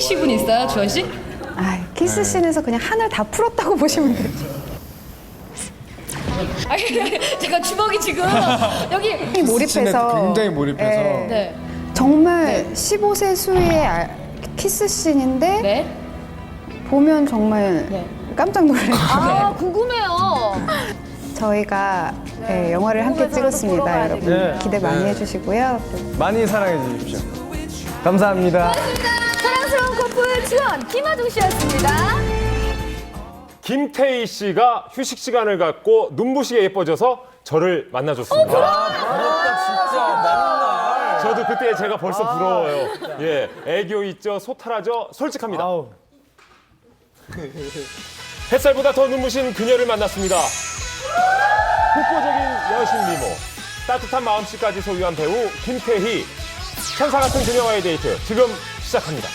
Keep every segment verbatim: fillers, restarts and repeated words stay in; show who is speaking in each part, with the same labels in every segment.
Speaker 1: 키스신 있어요, 주원 씨?
Speaker 2: 아, 키스씬에서 그냥 하늘 다 풀었다고 보시면 돼요.
Speaker 1: 아니, 제가 주먹이 지금 여기.
Speaker 2: 몰입해서
Speaker 3: 굉장히 몰입해서.
Speaker 2: 네.
Speaker 1: 네.
Speaker 2: 정말 십오 세 수의 아- 키스씬인데
Speaker 1: 네.
Speaker 2: 보면 정말
Speaker 1: 네.
Speaker 2: 깜짝 놀래요.
Speaker 1: 아, 궁금해요.
Speaker 2: 저희가 네, 영화를 함께 찍었습니다, 여러분.
Speaker 3: 네.
Speaker 2: 기대 많이
Speaker 3: 네.
Speaker 2: 해주시고요.
Speaker 3: 많이 사랑해 주십시오. 감사합니다.
Speaker 1: 사랑스러운 커플 주원 김하중 씨였습니다.
Speaker 4: 김태희 씨가 휴식 시간을 갖고 눈부시게 예뻐져서 저를 만나줬습니다. 저도 그때 제가 벌써 부러워요. 예, 애교 있죠, 소탈하죠, 솔직합니다.
Speaker 3: 아우.
Speaker 4: 햇살보다 더 눈부신 그녀를 만났습니다. 독보적인 여신 미모, 따뜻한 마음씨까지 소유한 배우 김태희. 천사 같은 그녀와의 데이트 지금 시작합니다.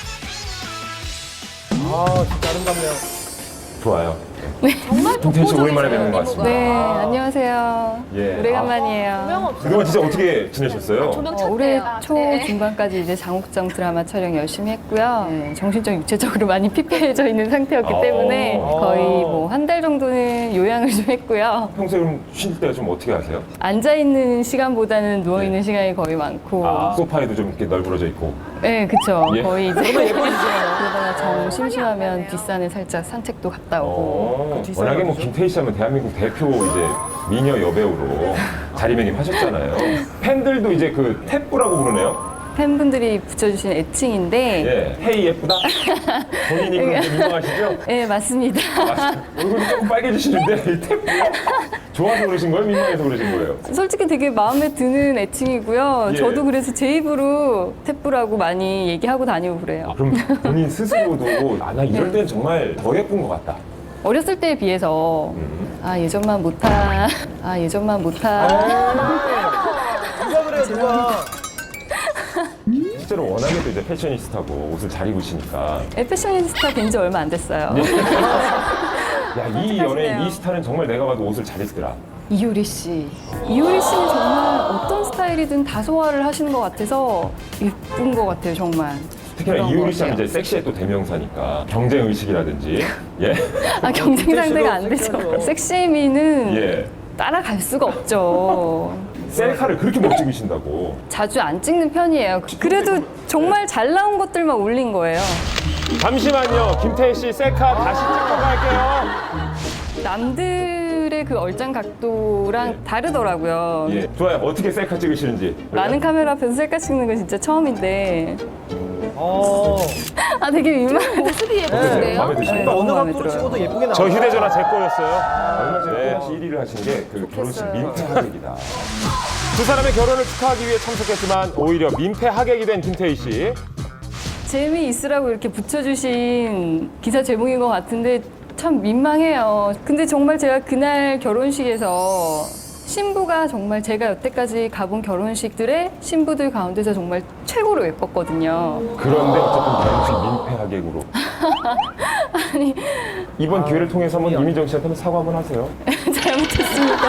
Speaker 3: 아, 진짜 아름답네요.
Speaker 4: 좋아요.
Speaker 1: 정말
Speaker 4: 김태희 씨 오랜만에 뵙는 것 같습니다.
Speaker 2: 네, 안녕하세요.
Speaker 4: 예.
Speaker 2: 오래간만이에요.
Speaker 4: 그동안 진짜 어떻게 지내셨어요?
Speaker 1: 조명
Speaker 2: 어,
Speaker 1: 쳤대요.
Speaker 2: 올해 초
Speaker 1: 네.
Speaker 2: 중반까지 이제 장옥정 드라마 촬영 열심히 했고요. 네, 정신적, 육체적으로 많이 피폐해져 있는 상태였기
Speaker 4: 어.
Speaker 2: 때문에 거의 뭐 한 달 정도는 요양을 좀 했고요.
Speaker 4: 평소에 그럼 쉴 때 좀 어떻게 하세요?
Speaker 2: 앉아 있는 시간보다는 누워 있는 시간이 거의 많고.
Speaker 4: 아, 소파에도 좀 이렇게 널브러져 있고.
Speaker 2: 네, 그쵸.
Speaker 4: 예.
Speaker 2: 거의 이제 그러다가 정 심심하면 뒷산에 살짝 산책도 갔다 오고.
Speaker 4: 어, 워낙에 뭐 김태희 씨 하면 대한민국 대표 이제 미녀 여배우로 자리매김하셨잖아요. 팬들도 이제 그 태뿌라고 부르네요.
Speaker 2: 팬분들이 붙여주신 애칭인데.
Speaker 4: 예, 태희 예쁘다. 본인이 그렇게 민망하시죠?
Speaker 2: 네, 맞습니다.
Speaker 4: 아, 얼굴이 조금 빨개지시는데 이 태뿌 좋아서 그러신 거예요? 민망해서 그러신 거예요?
Speaker 2: 솔직히 되게 마음에 드는 애칭이고요.
Speaker 4: 예.
Speaker 2: 저도 그래서 제 입으로 태뿌라고 많이 얘기하고 다니고 그래요.
Speaker 4: 아, 그럼 본인 스스로도 아, 나 이럴 때는 정말 더 예쁜 것 같다.
Speaker 2: 어렸을 때에 비해서
Speaker 4: 음.
Speaker 2: 아 예전만 못하 아 예전만 못하
Speaker 3: 누가 그래요, 누가.
Speaker 4: 실제로 워낙에도 이제 패셔니스타고 옷을 잘 입으시니까
Speaker 2: 패셔니스타 된 지 얼마 안 됐어요.
Speaker 4: 야, 이 연예인 이 스타는 정말 내가 봐도 옷을 잘 입더라.
Speaker 2: 이효리 씨. 이효리 씨는 정말 어떤 스타일이든 다 소화를 하시는 것 같아서 예쁜 것 같아요, 정말.
Speaker 4: 특히나
Speaker 2: 그런
Speaker 4: 이효리
Speaker 2: 것
Speaker 4: 씨는
Speaker 2: 같아요.
Speaker 4: 이제 섹시의 또 대명사니까 경쟁 의식이라든지 예.
Speaker 2: 아 경쟁 상대가 안 되죠. 섹시미는
Speaker 4: 예.
Speaker 2: 따라갈 수가 없죠.
Speaker 4: 셀카를 그렇게 못 찍으신다고.
Speaker 2: 자주 안 찍는 편이에요. 그래도 정말 잘 나온 것들만 올린 거예요.
Speaker 4: 잠시만요. 김태희 씨 셀카 다시 찍고 갈게요.
Speaker 2: 남들의 그 얼짱 각도랑
Speaker 4: 예.
Speaker 2: 다르더라고요.
Speaker 4: 예. 좋아요. 어떻게 셀카 찍으시는지.
Speaker 2: 많은 카메라 앞에서 셀카 찍는 건 진짜 처음인데
Speaker 3: 어.
Speaker 2: 아 되게 민망.
Speaker 1: 모습이
Speaker 4: 어떠세요?
Speaker 1: 예쁜데요?
Speaker 4: 마음에 드십니까?
Speaker 2: 네.
Speaker 3: 어느
Speaker 2: 마음에
Speaker 3: 각도로
Speaker 2: 들어요.
Speaker 3: 찍어도 예쁘게 나와요.
Speaker 4: 저 휴대전화 제 거였어요. 얼마 전에 일 위를 하신 게 그 결혼식 민폐 하객이다. 두 사람의 결혼을 축하하기 위해 참석했지만 오히려 민폐 하객이 된 김태희 씨.
Speaker 2: 재미있으라고 이렇게 붙여주신 기사 제목인 것 같은데 참 민망해요. 근데 정말 제가 그날 결혼식에서 신부가 정말 제가 여태까지 가본 결혼식들의 신부들 가운데서 정말 최고로 예뻤거든요.
Speaker 4: 그런데 어쨌든 결혼식 민폐 하객으로.
Speaker 2: 아니
Speaker 4: 이번 기회를 통해서 한번 이민정 씨한테 한번 사과 한번 하세요.
Speaker 2: 잘못했습니다.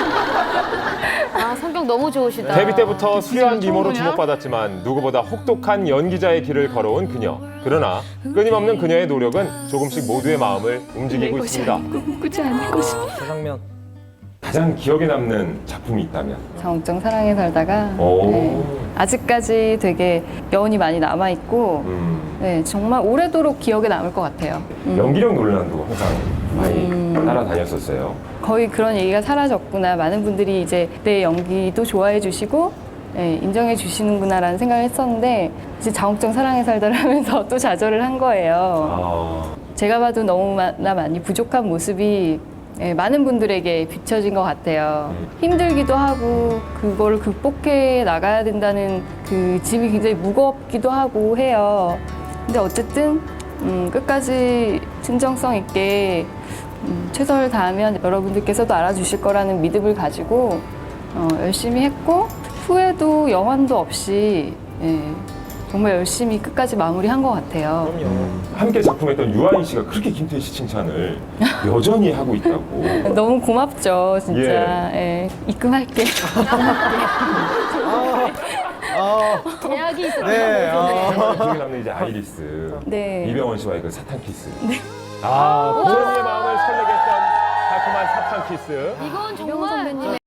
Speaker 1: 아, 성격 너무 좋으시다.
Speaker 4: 데뷔 때부터 수려한 미모로 주목받았지만 누구보다 혹독한 연기자의 길을 걸어온 그녀. 그러나 끊임없는 그녀의 노력은 조금씩 모두의 마음을 움직이고 있습니다.
Speaker 2: 꾸지 않을 것이.
Speaker 3: 조상면.
Speaker 4: 가장 기억에 남는 작품이 있다면?
Speaker 2: 장옥정 사랑에 살다가
Speaker 4: 오.
Speaker 2: 네, 아직까지 되게 여운이 많이 남아 있고
Speaker 4: 음,
Speaker 2: 네, 정말 오래도록 기억에 남을 것 같아요. 음.
Speaker 4: 연기력 논란도 항상 많이 따라다녔었어요.
Speaker 2: 거의 그런 얘기가 사라졌구나. 많은 분들이 이제 내 연기도 좋아해 주시고 네, 인정해 주시는구나라는 생각을 했었는데 이제 장옥정 사랑에 살다를 하면서 또 좌절을 한 거예요.
Speaker 4: 아,
Speaker 2: 제가 봐도 너무나 많이 부족한 모습이 예, 많은 분들에게 비춰진 것 같아요. 힘들기도 하고 그걸 극복해 나가야 된다는 그 짐이 굉장히 무겁기도 하고 해요. 근데 어쨌든 음, 끝까지 진정성 있게 음, 최선을 다하면 여러분들께서도 알아주실 거라는 믿음을 가지고 어, 열심히 했고 후회도 영환도 없이 예, 정말 열심히 끝까지 마무리한 것 같아요.
Speaker 3: 그럼요.
Speaker 4: 함께 작품했던 유아인 씨가 그렇게 김태희 씨 칭찬을 여전히 하고 있다고.
Speaker 2: 너무 고맙죠, 진짜. 예. 입금할게.
Speaker 3: 아,
Speaker 1: 제약이 있어요.
Speaker 3: 네. 어.
Speaker 4: 기억에 남는 이제 아이리스.
Speaker 2: 네.
Speaker 4: 이병헌 씨와의 그 사탕 키스. 아, 고은이의 마음을 설레게 했던 달콤한 사탕 키스.
Speaker 1: 이건
Speaker 2: 이병헌
Speaker 1: 정말
Speaker 2: 선배님의